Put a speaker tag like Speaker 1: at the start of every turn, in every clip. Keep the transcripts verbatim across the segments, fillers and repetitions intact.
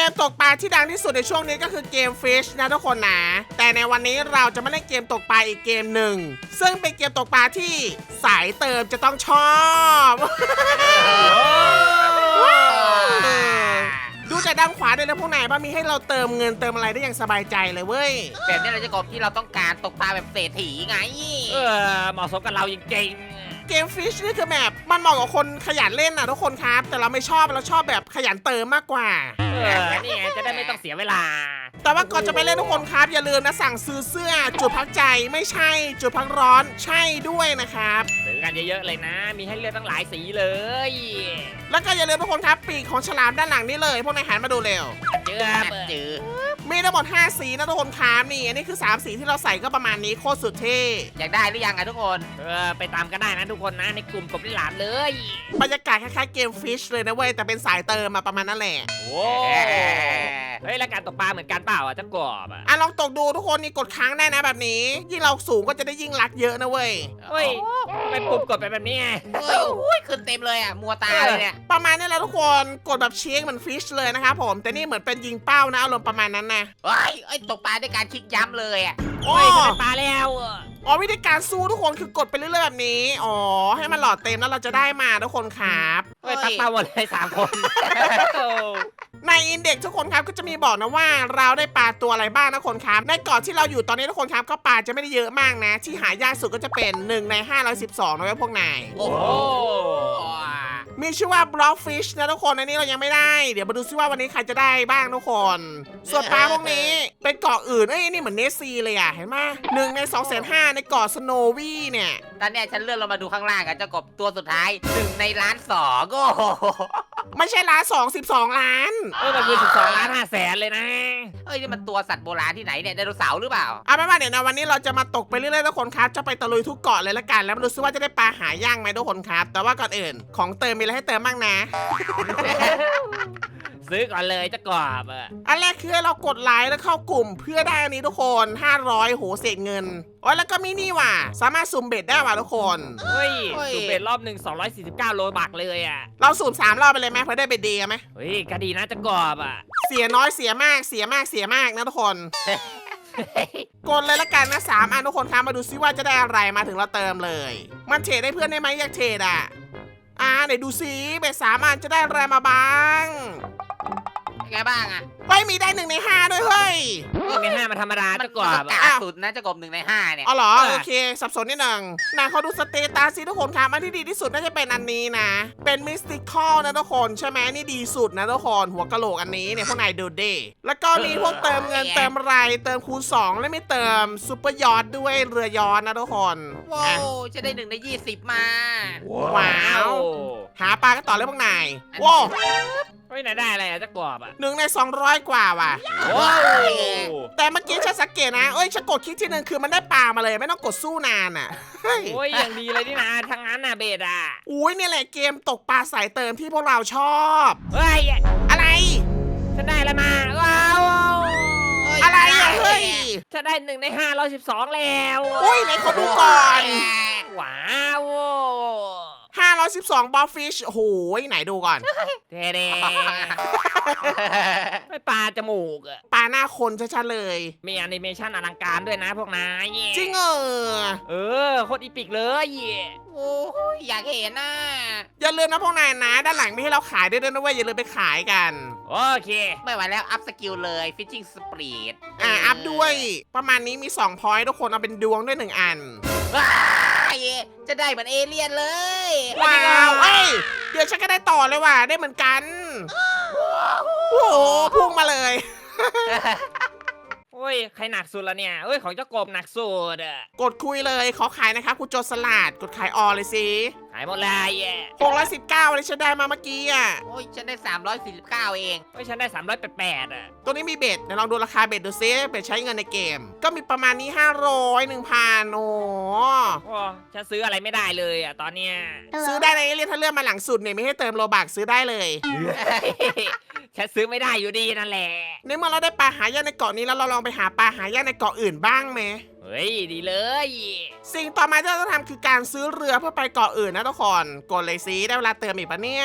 Speaker 1: มตกปลาที่ดังที่สุดในช่วงนี้ก็คือเกม Fish นะทุกคนนะแต่ในวันนี้เราจะมาเล่นเกมตกปลาอีกเกมหนึ่งซึ่งเป็นเกมตกปลาที่สายเติมจะต้องชอบดูจากด้านขวาด้วยนะพวกนายว่ามีให้เราเติมเงินเติมอะไรได้อย่างสบายใจเลยเว้ย
Speaker 2: แบบนี้เราจะกบที่เราต้องการตกปลาแบบเศรษฐีไง
Speaker 3: เออเหมาะสมกับเราจริง
Speaker 1: เกม Fish นี่คือแบบมันเหมาะกับคนขยันเล่นนะทุกคนครับแต่เราไม่ชอบเราชอบแบบขยันเติมมากกว่า
Speaker 3: เออนี่ไงจะได้ไม่ต้องเสียเวลา
Speaker 1: แต่ว่าก่อนจะไปเล่นทุกคนครับอย่าลืมนะสั่งซื้อเสื้อจุดพักใจไม่ใช่จุดพักร้อนใช่ด้วยนะครับ
Speaker 3: ซื้อกันเยอะๆเลยนะมีให้เลือกตั้งหลายสีเลย
Speaker 1: แล้วก็อย่าลืมทุกคนครับปีกของฉลามด้านหลังนี่เลยพวกนายหันมาดูเร็ว
Speaker 3: เจอ
Speaker 2: เจอ
Speaker 1: มีทั้งหมดห้าสีนะทุกคนครับนี่อันนี้คือสามสีที่เราใส่ก็ประมาณนี้โคตรสุดเท่
Speaker 2: อยากได้หรือยังอะทุกคน
Speaker 3: เออไปตามกันได้นะทุกคนนะในกลุ่มกบลิหลามเลย
Speaker 1: บรรยากาศคล้ายๆเกม Fish เลยนะเว้ยแต่เป็นสายเติมมาประมาณนั้นแหละ
Speaker 3: โอ้เฮ้ยแล้วการตกปลาเหมือนกันเปล่าอ่ะจังกบอ่ะ
Speaker 1: อ่ะลองตกดูทุกคนนี่กดค้างได้นะแบบนี้ยิ่งเราสูงก็จะได้ยิ่งรักเยอะนะเว้ย
Speaker 3: เฮ้ยทำไมปุ่มกดไปแบบนี้ไง
Speaker 2: เฮ้ยโอ้ยขึ้นเต็มเลยอ่ะมัวตาเลยเนี่ย
Speaker 1: ประมาณนี้แหละทุกคนกดแบบเช็คเหมือน Fish เลยนะครับผมแต่นี่เหมือนเป็นยิงเป้านะอารมณ์ประมาณนั้นนะ
Speaker 2: เฮ้ยไอ้ตกปลาด้วยการคลิกย้ำเลยอ่ะ
Speaker 3: โอ้ยได้ปลาแล้ว
Speaker 1: อ๋อวิธีการสู้ทุกคนคือกดไปเรื่อยๆแบบนี้อ๋อให้มันหลอดเต็มแล้วเราจะได้มาทุกคนครับ
Speaker 3: เฮ้ยตักปลาหมดเลยสามคน
Speaker 1: ในอินเด็กซ์ทุกคนครับก็จะมีบอกนะว่าเราได้ปลาตัวอะไรบ้างนะคนครับในเกาะที่เราอยู่ตอนนี้ทุกคนครับก็ปลาจะไม่ได้เยอะมากนะที่หายากสุดก็จะเป็นหนึ่งในห้าร้อยสิบสองนะพวกนาย
Speaker 2: โอ้โห
Speaker 1: มีชื่อว่า Blockfish นะทุกคนอันนี้เรายังไม่ได้เดี๋ยวมาดูซิว่าวันนี้ใครจะได้บ้างทุกคนส่วนปลาพวกนี้เป็นเกาะอื่นเอ้ยนี่เหมือนเนสซีเลยอ่ะเห็นไหมหนึ่งในสองแสนห้าในเกาะสโนวี่เนี่ย
Speaker 2: ตอนนี้ฉันเลื่อนลงมาดูข้างล่างอะเจ้ากบตัวสุดท้ายหนึ่งในล้านสองโอ้โห
Speaker 1: ไม่ใช่ล้านสองสิบสองล้าน
Speaker 3: เออมันคือสิบสองล้านห้าแสนเลยนะ
Speaker 2: เอ้ยนี่มันตัวสัตว์โบราณที่ไหนเนี่ยไดโนเสาร์หรือเปล่า
Speaker 1: เอาเป็นว่าเดี๋ยวนะวันนี้เราจะมาตกไปเรื่อยๆทุกคนครับจะไปตะลุยทุกเกาะเลยละกันแล้วมาดูซิว่าจะได้ปลาหายากไหมทุกคนครับแต่ว่าก่อนอื่นของเติมมีอะไรให้เติมบ้างนะ
Speaker 3: ซื้อก่อนเลยจะกรอบอ่ะ
Speaker 1: อันแรกคือให้เรากดไลค์แล้วเข้ากลุ่มเพื่อได้อันนี้ทุกคนห้าร้อยโหเศษเงินอ๋อแล้วก็มีนี่ว่ะสามารถสุ่มเบ็ดได้ว่ะทุกคน
Speaker 3: เฮ้ยสุ่มเบ็ดรอบหนึ่งสองร้อยสี่สิบเก้าโลบักเลยอ่ะ
Speaker 1: เราสุ่มสามรอบไปเลยไหมเพื่อได้เบ็ดดีไหม
Speaker 3: เฮ้ยก็ดีนะจะกรอบอ่ะ
Speaker 1: เสียน้อยเสียมากเสียมากเสียมากนะทุกคนกดเลยละกันนะสามอันทุกคนครับมาดูซิว่าจะได้อะไรมาถึงเราเติมเลยมันเทรดได้เพื่อนได้ไหมอยากเทรดอ่ะอ่าไหนดูซิเบ็ดสามอันจะได้อะไรมาบ้าง
Speaker 2: ไงบ้างอะ
Speaker 1: เฮ้ยมีได้หนึ่งในห้าด้วยเฮ้ย
Speaker 3: หนึ่งในห้ามันธรรมดาจะกรอบ
Speaker 2: อ่ะสุดนะจะกบหนึ่งในห้าเนี่ย
Speaker 1: อ๋อเหรอโอเคสับสนนิดหนึ่งนายเขาดูสเตตัสสิทุกคนครับอันที่ดีที่สุดน่าจะเป็นอันนี้นะเป็นมิสติคอลนะทุกคนใช่ไหมนี่ดีสุดนะทุกคนหัวกะโหลกอันนี้เนี่ยพวกนายดูดิแล้วก็มีพวกเติมเงินเติมไรเติมคูณสองและไม่เติมซูเปอร์ยอทด้วยเรือยอทนะทุกคน
Speaker 2: ว้าวจะได้หนึ่งในยี่สิบมา
Speaker 1: ว้าวหาปลากันต่อเลยพวกนายว้าว
Speaker 3: เฮ้ยไหนได้อะไรอะจะกรอบอ่ะ
Speaker 1: หนึ่งในสองร้อยกว่าว่ะ
Speaker 3: ว้าว
Speaker 1: แต่เมื่อกี้ฉันสังเกตนะเอ้ยฉันกดคลิกที่หนึ่งคือมันได้ปลามาเลยไม่ต้องกดสู้นานอ่ะ
Speaker 3: โอ้ยอย่างดีเลยนี่นะทางนั้นน่ะเบสอ่ะ
Speaker 1: อุ้ยนี่แหละเกมตกปลาสายเติมที่พวกเราชอบ
Speaker 3: เฮ้ย
Speaker 1: อะไร
Speaker 3: ฉันได้อะไรมาว้าว
Speaker 1: อะไรอ่ะเฮ้ย
Speaker 3: ฉันได้หนึ่งในห้าร้อยสิบสองแล้ว
Speaker 1: อุ้ยไหนขอดูก่อน
Speaker 3: ว้าว
Speaker 1: ห้าร้อยสิบสองบอฟฟิชโอ้โหไหนดูก่อน
Speaker 3: เท่ๆไม่ปลาจมูกอะ
Speaker 1: ปลาหน้าคนชัดๆเลย
Speaker 3: มีแอนิเมชันอลังการด้วยนะพวกนาย
Speaker 1: จริงเออ
Speaker 3: เออโคตรอีปิกเลย
Speaker 2: โอ้ยอยากเห็นนะ
Speaker 1: อย่าลืมนะพวกนายนะด้านหลังมีให้เราขายด้วยนะเว้ยอย่าลืมไปขายกัน
Speaker 3: โอเค
Speaker 2: ไม่ไหวแล้วอัพสกิลเลยฟิชชิ่งสปรีด
Speaker 1: อ่าอัพด้วยประมาณนี้มีสองพอยต์ทุกคนเอาเป็นดวงด้วยหนึ่งอัน
Speaker 2: จะได้เหมือนเอเลี่ยนเลย
Speaker 1: ว้าวเอ้ยเดี๋ยวฉันก็ได้ต่อเลยว่ะได้เหมือนกันโอ้โหพุ่งมาเลย
Speaker 3: โอ้ยใครหนักสุดละเนี่ยเอ้ยของเจ้ากบหนักสุดอ่ะ
Speaker 1: กดคุยเลยขอขายนะครับคุณโจสลัดกดขายออเลยสิ
Speaker 3: ขายหมดเลยแย่
Speaker 1: หกร้อยสิบเก้าเลยฉันได้มาเมื่อกี้อ่ะ
Speaker 2: โอ้ยฉันได้สามร้อยสี่สิบเก้าเอง
Speaker 3: โอ้ยฉันได้สามร้อยแปดอ่ะ
Speaker 1: ตัวนี้มีเบ็ดเดี๋ยวลองดูราคาเบ็ดดูซิเบ็ดใช้เงินในเกมก็มีประมาณนี้ห้าร้อย หนึ่งพันโอ้
Speaker 3: โหฉันซื้ออะไรไม่ได้เลยอ่ะตอนเนี้ย
Speaker 1: ซื้อได้ในเรียนถ้าเลื่อนมาหลังสุดเนี่ยไม่ให้เติมโลบักซื้อได้เลย
Speaker 3: ฉันซื้อไม่ได้อยู่ดีนั่นแหละ
Speaker 1: ในเมื่อเราได้ปลาหายากในเกาะนี้แล้วเราลองไปหาปลาหายากในเกาะอื่นบ้างไหม
Speaker 3: เฮ้ยดีเลย
Speaker 1: สิ่งต่อมาที่เราต้องทำคือการซื้อเรือเพื่อไปเกาะอื่นนะทุกคนกดเลยสิได้เวลาเติมอีกปะเนี่ย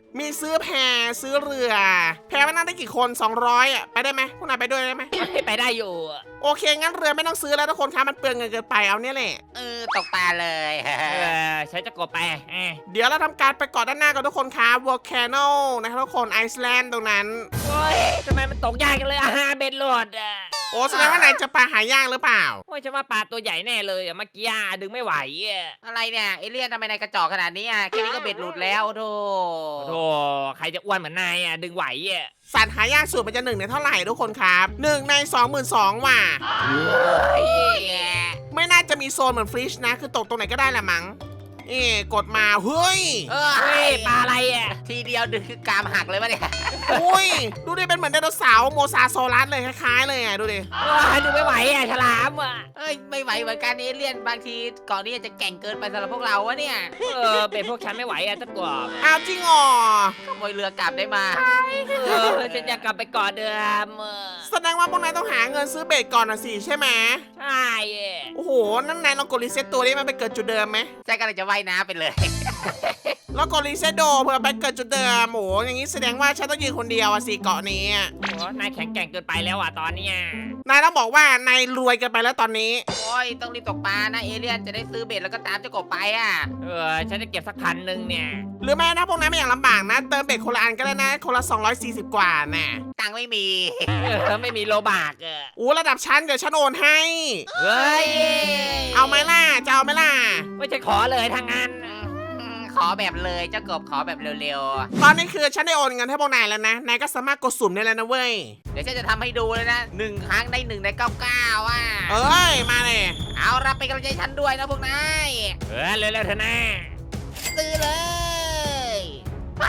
Speaker 1: มีซื้อแพซื้อเรือ แพมันนั่งได้กี่คนสองร้อยอ่ะไปได้ไหมพวกนายไปด้วยได้ไหม
Speaker 3: ไม่ไปได้อยู่
Speaker 1: โอเคงั้นเรือไม่ต้องซื้อแล้วทุกคนครับมันเปลืองเงินเกินไปเอาเนี่ยแหละ
Speaker 2: เออตกปลาเลย
Speaker 3: เออใช้เจ้ากบไปเอ้ย
Speaker 1: เดี๋ยวเราทำการไปเกาะด้านหน้ากันทุกคนครับวอลแคนอลนะครับทุกคนไอซ์แลนด์ตรงนั้น
Speaker 3: โอ้ยทำไมมันตกยากกันเลยอาหารเบ็ดโหลดอ่ะ
Speaker 1: โอ้แสดงว่านายจะปลาหายากหรือเปล่า
Speaker 3: โอ้ยฉันว่าปลาตัวใหญ่แน่เลยอ่ะเมื่อกี้อ่ะดึงไม่ไหวอ่ะ
Speaker 2: อะไรเนี่ยเอเลี่ยนทำไมนายกระจอกขนาดนี้อ่ะแค่นี้ก็เบ็ดหลุดแล้วโธ่
Speaker 3: โธ่ใครจะอ้วนเหมือนนายอ่ะดึงไหวอ่ะ
Speaker 1: สัตว์หายากสุดมันจะหนึ่งในเท่าไหร่ทุกคนครับหนึ่งในสองหมื่นสองว่ะ
Speaker 2: เฮ้ย
Speaker 1: ไม่น่าจะมีโซนเหมือนฟริชนะ คือตกตรงไหนก็ได้แหละมั้งเอ๊ะกดมาเฮ้ย
Speaker 2: เอ
Speaker 3: เฮ้
Speaker 2: ้
Speaker 3: ย
Speaker 2: ย
Speaker 3: ปลาอะไรอ่ะ
Speaker 2: ทีเดียวดึงคือกรามหักเลยวะเนี่ย
Speaker 1: อุ้ยดูดิเป็นเหมือนไดโนเสาร์โมซาโซลัสเลยคล้ายๆเลยอ่ะดูดิ
Speaker 3: ว้าดึงไม่ไหวอ่ะฉลามอ่ะ
Speaker 2: เอ้ยไม่ไหวเหมือนกันเอเลี่ยนบางทีก่อนนี้จะแก่งเกินไปสำหรับพวกเราวะเนี่ย
Speaker 3: เออเป็นพวกฉันไม่ไหวอ่ะเจ้ากบ
Speaker 1: อ้าวจริงอ๋อ
Speaker 2: ขโมยเรือกลับได้มา
Speaker 3: เออฉันอยากกลับไปเกาะเดิมอ่ะ
Speaker 1: แสดงว่าพวกนายต้องหาเงินซื้อเบสก่อนนะสิใช่ไหม
Speaker 3: ใช่อ่ะ
Speaker 1: โอ้โหนั่นนายลองกดรีเซ็ตตัวนี้มันไปเกิดจุดเดิมไหม
Speaker 2: ใช่ก็เลยจะว่ายน้ำไปเลย
Speaker 1: แล้วกดรีเซ็ตโดเพื่อไปเกิดจุดเดิมโอ้โหอย่างนี้แสดงว่าฉันต้องยืนคนเดียวอะสิเกาะนี้อะ
Speaker 3: โอ้นายแข็งแกร่งเกินไปแล้วอ่ะตอนเนี้ย
Speaker 1: นายต้องบอกว่านายรวยเกันไปแล้วตอนนี้
Speaker 2: โอ้ยต้องรีบตกปลานะเอเลี่ยนจะได้ซื้อเบ็ดแล้วก็ตามเจ้ากบไปอ่ะ
Speaker 3: เออฉันจะเก็บสักพันหนึ่งเนี่ย
Speaker 1: หรือแม้ถ้าพวกนั้นไม่อยากลำบากนะ เติมเบ็ดคนละอันก็ได้นะคนละสองร้อยสี่สิบกว่าน่ะ
Speaker 2: ตังค์ไม่มี
Speaker 3: เออไม่มีโลบากอ่ะ
Speaker 1: อู้ระดับชั้นเดี๋ยวฉันโอนให้
Speaker 3: เฮ้ย
Speaker 1: เอาไหมล่ะจะเอาไหมล่ะ
Speaker 3: ไม่ใช่ขอเลยทางนั้น
Speaker 2: อืมขอแบบเลยเจ้ากบขอแบบเร็ว
Speaker 1: ตอนนี้คือฉันได้โอนเงินให้พวกนายแล้วนะนายก็สามารถกดสุ่มได้แล้วนะเว้ย
Speaker 2: ๆ เดี๋ยวฉันจะทำให้ดูเลยนะหนึ่งครั้งได้หนึ่งในเก้าเก้าอ่ะ
Speaker 1: เอ้ยมาเลย
Speaker 2: เอารับไปนกำลังใจฉันด้วยนะพวกนาย
Speaker 3: เออเร็วๆเถอะนะ
Speaker 2: ซื้อเลยไป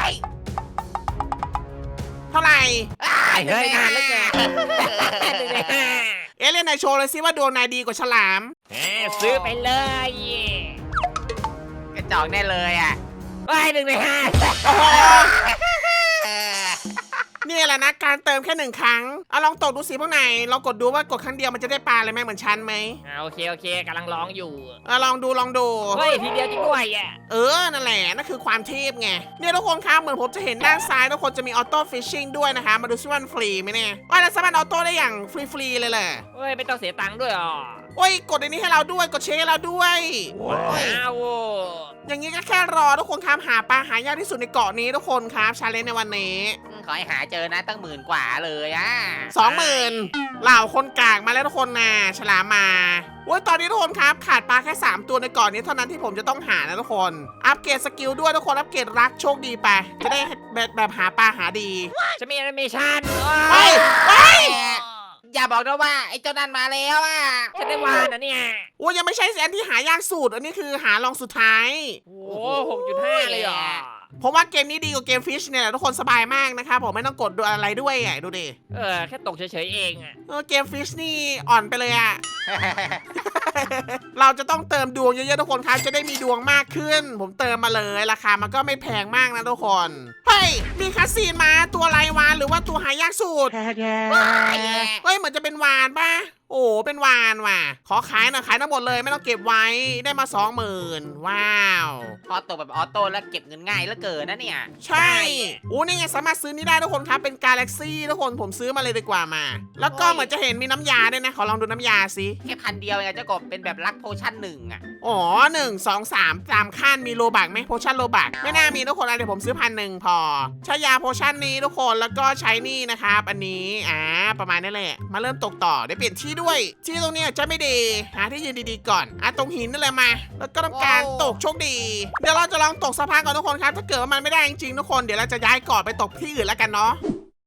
Speaker 1: เท่าไหร่
Speaker 3: ไอ้เฮ้ยนานเหลือเกิน
Speaker 1: เอะเล่นนายโชว์เลยสิว่าดวงนายดีกว่าฉลาม
Speaker 3: เออซื้อไปเลย
Speaker 2: กระจอกแน่เลยอ่ะ
Speaker 3: ไอ้หนึ่งในห้า
Speaker 1: โอ้โห
Speaker 2: เออ
Speaker 1: นี่แหละนะการเติมแค่หนึ่งครั้งเอาลองตกดูสิพวกนายลองกดดูว่ากดครั้งเดียวมันจะได้ปลาเลยไหมเหมือนฉันไหม
Speaker 3: อ่าโอเคโอเคกำลังร้องอยู่
Speaker 1: เออลองดูลองดู
Speaker 3: เฮ้ยทีเดียวจริงด้วยอ่ะ
Speaker 1: เออ นั่นแหละ นั่นคือความเทพไง เนี่ยทุกคนครับ เหมือนผมจะเห็นด้านซ้ายทุกคนจะมีออโต้ฟิชชิ่งด้วยนะคะ มาดูซิว่ามันฟรีไหมเนี่ยว่าเราสามารถออโต้ได้อย่างฟรีๆเลยแหละ
Speaker 3: เฮ้ยไม่ต้องเสียตังค์ด้วยอ๋อ
Speaker 1: โอ้ย กดอันนี้ให้เราด้วย กดเช็คให้เราด้วย
Speaker 3: ว้าว
Speaker 1: อย่างนี้ก็แค่รอทุกคนครับหาปลาหายากที่สุดในเกาะนี้ทุกคนครับชาเลนจ์ในวันนี้
Speaker 2: ขอให้หาเจอนะตั้งหมื่นกว่าเลยอ่ะ
Speaker 1: สองหมื่นเหล่าคนกากมาแล้วทุกคนนะฉลามมาโอ้ยตอนนี้ทุกคนครับขาดปลาแค่สามตัวในเกาะนี้เท่านั้นที่ผมจะต้องหานะทุกคน อัปเกรดสกิลด้วยทุกคน อัปเกรดรักโชคดีไป จะได้แบบแบบหาปลาหาดี
Speaker 3: จะมีแอนิเมชัน
Speaker 1: เฮ้ยเฮ้ย
Speaker 2: อย่าบอกนะว่าไอ้เจ้านั่นมาแล้วอ่ะ
Speaker 3: ฉันได้วานนะเนี่ย
Speaker 1: โอ้ยยังไม่ใช่อันที่หายากสุด อันนี้คือหาลองสุดท้าย
Speaker 3: โอ้หกจุดห้าเลยเหรอ
Speaker 1: ผมว่าเกมนี้ดีกว่าเกมฟิชเนี่ยแหละทุกคนสบายมากนะครับผมไม่ต้องกดดูอะไรด้วยอ่ะดูดิ
Speaker 3: เออแค่ตกเฉยๆเองอ่ะ
Speaker 1: เออเกมฟิชนี่อ่อนไปเลยอ่ะ เราจะต้องเติมดวงเยอะๆทุกคนครับจะได้มีดวงมากขึ้น ผมเติมมาเลยราคามันก็ไม่แพงมากนะทุกคนเฮ้ยมีคัสซีนมาตัวอะไรวานหรือว่าตัวหายากสุดเฮ้ยเหมือนจะเป็นวานป่ะโอ้เป็นวานว่ะขอขายหน่อยขายทั้งหมดเลยไม่ต้องเก็บไว้ได้มาสองหมื่นว้าว
Speaker 2: พอตกแบบออโต้แล้วเก็บเงินง่ายเหลือเกินนะเนี่ย
Speaker 1: ใช่โอ้นี่ไงสามารถซื้อนี่ได้ทุกคนครับเป็นกาแล็กซี่ทุกคนผมซื้อมาเลยดีกว่ามา แล้วก็เหมือนจะเห็นมีน้ำยาด้วยนะขอลองดูน้ำยาสิ
Speaker 2: แค่พันเดียวเองอะเจ้ากบเป็นแบบรักโพชั่นหนึ่งอ่ะ
Speaker 1: อ๋อหนึ่งสองสามตามขั้นมีโลบักไหมโพชั่นโลบักไม่น่ามีทุกคนอ่ะเดี๋ยวผมซื้อพันหนึ่งพอใช้ยาโพชั่นนี้ทุกคนแล้วก็ใช้นี่นะครับอันนี้อ่าประมาณนี้แหละมาเริ่มตกต่อได้เปลี่ยนที่ด้วยที่ตรงเนี้ยจะไม่ดีหาที่ยืนดีๆก่อนอ่ะตรงหินนั่นแหละมา แล้วก็ทำการตกโชคดีเดี๋ยวเราจะลองตกสะพานก่อนทุกคนครับถ้าเกิดว่ามันไม่ได้จริงๆทุกคนเดี๋ยวเราจะย้ายเกาะไปตกที่อื่นแล้วกันเนาะ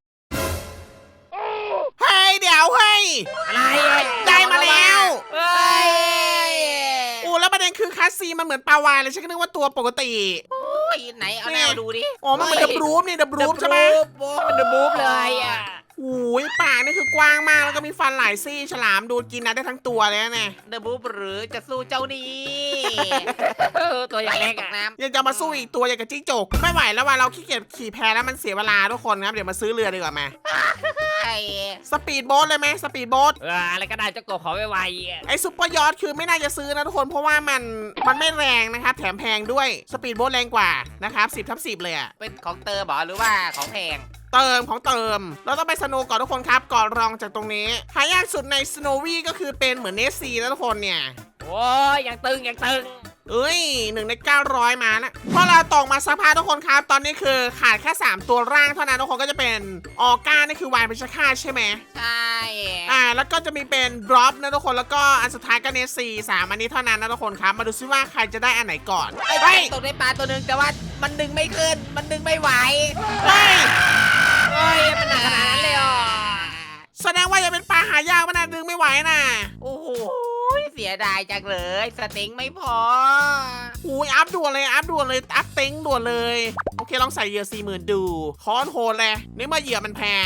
Speaker 1: เฮ้ยเดี๋ยวเฮ้ย
Speaker 3: อะไรอ่ะ
Speaker 1: ได้มาแล้ว
Speaker 3: เฮ้ย
Speaker 1: โอ้แล้วประเด็นคือคัสซีมันเหมือนปลาวาฬเลยฉันก็นึกว่าตัวปกติ
Speaker 2: โอ้ยไหนเอาแนวดูดิ
Speaker 1: อ๋อมันเหมือนดับรูปนี่ดับรูปใช่ไหม
Speaker 2: โอ้
Speaker 3: มันเดอะบูฟเลยอ่ะ
Speaker 1: โอ้ยปากนี่คือกว้างมากแล้วก็มีฟันหลายซี่ฉลามดูกินนะได้ทั้งตัวเลยนะเนี่ย
Speaker 2: เดอะบูฟหรือจะสู้เจ้านี่
Speaker 3: เออตัวอย่างเล็ก
Speaker 2: ต
Speaker 3: อ่ะ
Speaker 2: กน้
Speaker 1: ยังจะมาสู้อีกตัวอย่างกับจิ้งจกไม่ไหวแล้วว่าเราขี้เกียจขี่แพแล้วมันเสียเวลาทุกคนครับเดี๋ยวมาซื้อเรือดีกว่ามา
Speaker 2: ำไอ้
Speaker 1: สปีดโบ๊ทเลยไหมสปีดโบ๊ท
Speaker 3: เอออะไรก็ได้เจ้ากบขอไวๆอะ
Speaker 1: ไอ้ซุปเปอร์ยอทคือไม่น่าจะซื้อนะทุกคนเพราะว่ามันมันไม่แรงนะครับแถมแพงด้วยสปีดโบ๊ทแรงกว่านะครับสิบทับสิบเลยอะ
Speaker 2: เป็นของเตอร์บอหรือว่าของแพง
Speaker 1: เติมของเติมเราต้องไปสโนว์ก่อนทุกคนครับก่อนรองจากตรงนี้หายากสุดในสโนวี่ก็คือเป็นเหมือนเนสซีนะทุกคนเนี่ย
Speaker 3: โอ้ยยังตึงยังตึง
Speaker 1: เอ้ยหนึ่งในเก้าร้อยมานะพอเราตกมาสักพักทุกคนครับ ตอนนี้คือขาดแค่สามตัวร่างเท่านั้นทุกคนก็จะเป็นออก้านี่คือวายเป็นชาค่าใช่ไหม
Speaker 2: ใช่
Speaker 1: อ่าแล้วก็จะมีเป็นดรอปนะทุกคนแล้วก็อันสุดท้ายก็เนสซีสามอันนี้เท่านั้นนะทุกคนครับมาดูซิว่าใครจะได้อันไหนก่อน
Speaker 2: ไอ้
Speaker 1: เฮ้ย
Speaker 2: ตกในปลาตัวหนึ่งแต่ว่ามันดึงไม่ขึ้น มันดึงไม่ไหว
Speaker 1: เฮ้ย
Speaker 3: เฮ้ยมันหนักขนาดนั้นเลยเหรอ
Speaker 1: แสดงว่าอย่าเป็นปลาหายากมันนะดึงไม่ไหวน่ะ
Speaker 2: โอ้โหเสียดายจังเลยสเต็งไม่พอ
Speaker 1: อุ้ยอัพด่วนเลยอัพด่วนเลยอัพเต็งด่วนเลยโอเคลองใส่เหยื่อสี่หมื่นดูคอนโหดเลยนี่เมื่อเหยื่อมันแพง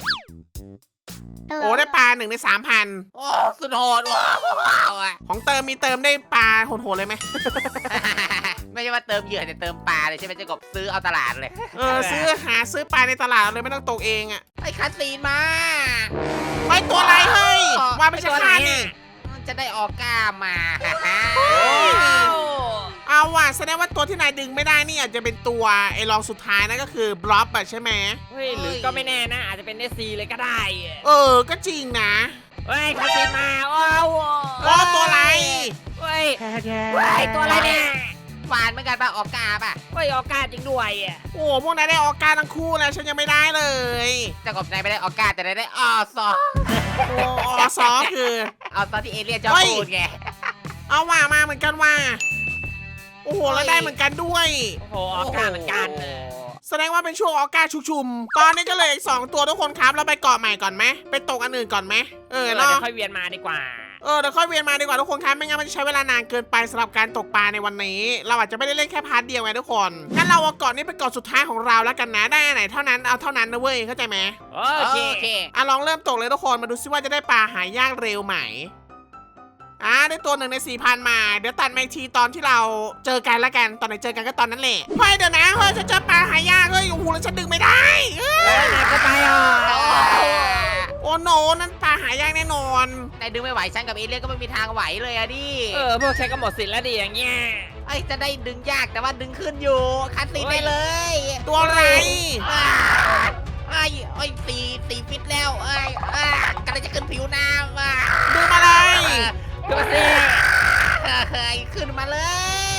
Speaker 1: โอ้ได้ปลาหนึ่งในสามพัน
Speaker 2: โอ้สุดโหดว้าวอะ
Speaker 1: ของเติมมีเติมได้ปลาโหดๆเลยไหม
Speaker 2: ไม่ใช่ว่าเติมเหยื่อแต่เติมปลาเลยใช่ไหมเจะกบซื้อเอาตลาดเลย
Speaker 1: เออซื้อหาซื้อปลาในตลาดเลยไม่ต้องตกเองอ่ะ
Speaker 2: ไอ้คัสซีนมา
Speaker 1: ไปตัวอะไรเฮ้ยว่าไม่ใช่ข้านี่
Speaker 2: จะได้ออกก้ามา
Speaker 1: เอาว่ะแสดงว่าตัวที่นายดึงไม่ได้นี่อาจจะเป็นตัวไอ้รองสุดท้ายนั่นก็คือบล็อบอะใช่ไหม
Speaker 3: เฮ้ยหรือก็ไม่แน่นะอาจจะเป็นเนสซีเลยก็ได้อะ
Speaker 1: เออก็จริงนะ
Speaker 3: เฮ้ยคาสิมาโอ้โห
Speaker 1: โอ้ตัวอะไร
Speaker 3: เฮ้ยเฮ้ยตัวอะไรเนี่ย
Speaker 2: หวานเหมือนกันป่ะออกก้าป่ะ
Speaker 3: เฮ้ยออกาจริงด้วยอ่ะ
Speaker 1: โอ้พวกนายได้ออกการทั้งคู่แล้วฉันยังไม่ได้เลย
Speaker 2: เจะกบนายไม่ได้ออกก้าแต่นายได้ออซอ
Speaker 1: โอ้ออซอคือ
Speaker 2: เอาซอที่เอเลี่ยนชอบ
Speaker 1: เฮ้ย
Speaker 2: พูดไง
Speaker 1: เอาว่ามาเหมือนกันว่า โอ้โหแล้วได้เหมือนกันด้วย
Speaker 3: โอ้โหออกาเหมือนกัน
Speaker 2: โโห
Speaker 1: แสดงว่าเป็นช่วงออก้าชุกชุม ตอนนี้ก็เลยอีกสองตัวทุกคนครับเราไปเกาะใหม่ก่อนไหมไปตกอันอื่นก่อนไหมเอ
Speaker 3: เอ
Speaker 1: อ
Speaker 3: อ
Speaker 1: เนาะ
Speaker 3: เดี๋ยวค่อยเวียนมาดีกว่า
Speaker 1: เออเดี๋ยวค่อยเวียนมาดีกว่าทุกคนครับไม่งั้นมันจะใช้เวลานานเกินไปสำหรับการตกปลาในวันนี้ เราอาจจะไม่ได้เล่นแค่พาร์ทเดียวไงทุกคนงั้นเราเอาเกาะนี้เป็นเกาะสุดท้ายของเราแล้วกันนะได้อันไหนเท่านั้นเอาเท่านั้นนะเว้ยเข้าใจไหม
Speaker 3: โอเค
Speaker 2: โอเค
Speaker 1: อ่ะลองเริ่มตกเลยทุกคนมาดูซิว่าจะได้ปลาหายากเร็วไหมอ่าได้ตัวหนึ่งในสี่พันมาเดี๋ยวตัดมาอีกทีตอนที่เราเจอกันแล้วกันตอนไหนเจอกันก็ตอนนั้นแหละเฮ้ยเดี๋ยวนะเฮ้ยฉันเจอปลาหายากเฮ้ยโอ้โหแล้วฉันดึงไม่ได้เอ้ย
Speaker 3: เฮ้ยไหนก็ไปอ่ะ
Speaker 1: โอ้โนนั่นปลาหายากแน่นอน
Speaker 2: นายดึงไม่ไหวฉันกับเอเลี่ยนก็ไม่มีทางไหวเลยอะดิ
Speaker 3: เออพวกใช้ก็หมดสิทธิ์แล้วดิอย่างเงี้ย
Speaker 2: ไอ้ยจะได้ดึงยากแต่ว่าดึงขึ้นอยู่คัสซีนได้เลย
Speaker 1: ตัวอะไร
Speaker 2: อ้าไอ้ไอ้ยสี่สี่ฟิตแล้วไอ้ยอ่ากำลังจะขึ้นผิวน้ำอ่ะ
Speaker 1: ดึงอะไร
Speaker 3: ขึ้นมาสิ
Speaker 2: เฮ้ยขึ้นมาเลย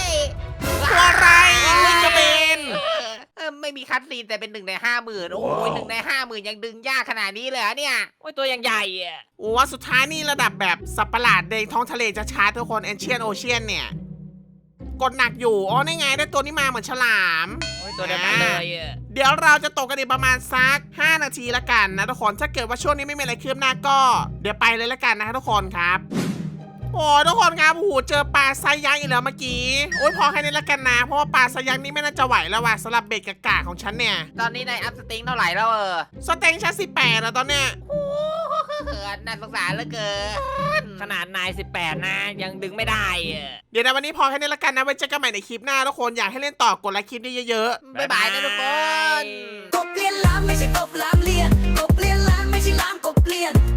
Speaker 1: ตัวอะไรวิ่งกระเบน
Speaker 2: เออเออไม่มีคัสซีนแต่เป็นหนึ่งในห้าหมื่นโอ้ยหนึ่งในห้าหมื่นยังดึงยากขนาดนี้เลยเหรอเนี่ย
Speaker 3: โอ้ยตัวยังใหญ่อ่ะ
Speaker 1: โอ้ว่าสุดท้ายนี่ระดับแบบสัตว์ประหลาดในท้องทะเลจะชาร์จทุกคนแอนเชียนโอเชียนเนี่ยกดหนักอยู่อ๋อนี่ไงได้ตัวนี้มาเหมือนฉลาม
Speaker 3: โอ้ยตัวเดียวกันเลยอ่ะ
Speaker 1: เดี๋ยวเราจะตกกันอีกประมาณสักห้านาทีละกันนะทุกคนถ้าเกิดว่าช่วงนี้ไม่มีอะไรคืบหน้าก็ เดี๋ยวไปเลยละกันนะทุกคนครับโอ้ทุกคนครับโอ้โหเจอปลาไซยักษ์อีกแล้วเมื่อกี้โอ้ยพอแค่นี้ละกันนะเพราะว่าปลาไซยักษ์นี่ไม่น่าจะไหวแล้วว่ะสำหรับเบ็ดกากาของฉันเนี่ย
Speaker 2: ตอนนี้นายอัพสติงเท่าไหร่แล้วเออ
Speaker 1: สเต็งชั้นสิบแปดแล้วตอนเนี้ย
Speaker 2: เขินน่าสงสารเหลือเกิน
Speaker 3: ขนาดนายสิบแปดนะยังดึงไม่ได้อ่ะ
Speaker 1: เดี๋ยวในวันนี้พอแค่นี้ละกันนะไว้เจอกันใหม่ในคลิปหน้าทุกคนอยากให้เล่นต่อกดไลค์คลิปนี้เยอะๆ
Speaker 2: บ๊ายบายนะทุกคน
Speaker 4: กบเลียนล้านไม่ใช่กบล้านเลียนกบเลียนล้านไม่ใช่ล้านกบเลียน